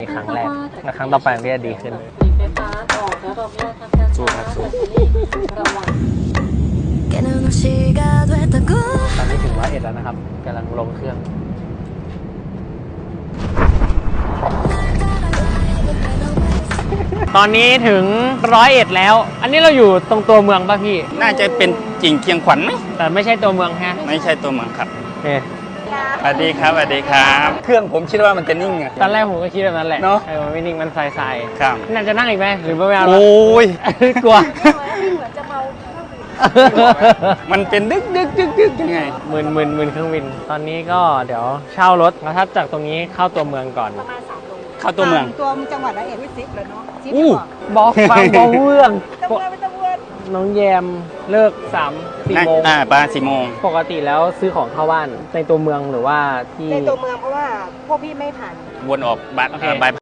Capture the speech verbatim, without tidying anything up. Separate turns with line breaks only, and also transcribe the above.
ครั้งแรกและครั้งต่อไปมันจะดีขึ้นสู้ครับสู้ตอนนี้ถึงร้อยเอ็ดแล้วนะครับกำลังลงเครื่องตอนนี้ถึงร้อยเอ็ดแล้ว อันนี้เราอยู่ตรงตัวเมืองป่ะพี่
น่าจะเป็นจิงเคียงขวัญไหม
แต่ไม่ใช่ตัวเมืองฮะ
ไม่ใช่ตัวเมืองครับ
เอ๊ะ
สวัสดีครับสวัสดีครับเครื่องผมคิดว่ามันจะนิ่งอะ
ตอนแรกผมก็คิดแบบนั้นแหละ
เนาะ
เออมันไม่นิ่งมันใสๆ
ครับ
น่าจะนั่งอีกไหมหรือไม่เอา
โอ้ย
กลัว
เหมือนจะเมา
มันเป็นดึกดึกดึกดึกยังไง
มึนมึนมึนเครื่องบินตอนนี้ก็เดี๋ยวเช่ารถแล้วถ้าจากตรงนี้เข้าตัวเมืองก่อน
ประมาณสามโล
เข้าตัวเมือง
ตัวจังหวัดละเอียดวิซิปเลยเนาะซิป
อู้
บอกฟังบอกเรื่อง
ตะเวนไปตะเวน
น้องแยมเลิกสามสี่โมง
อ่าประมาณสี่โมง
ปกติแล้วซื้อของเข้าบ้านในตัวเมืองหรือว่าที่
ในตัวเมืองเพราะว่าพวกพี่ไม่ผ่าน
วนออกบัตรบาย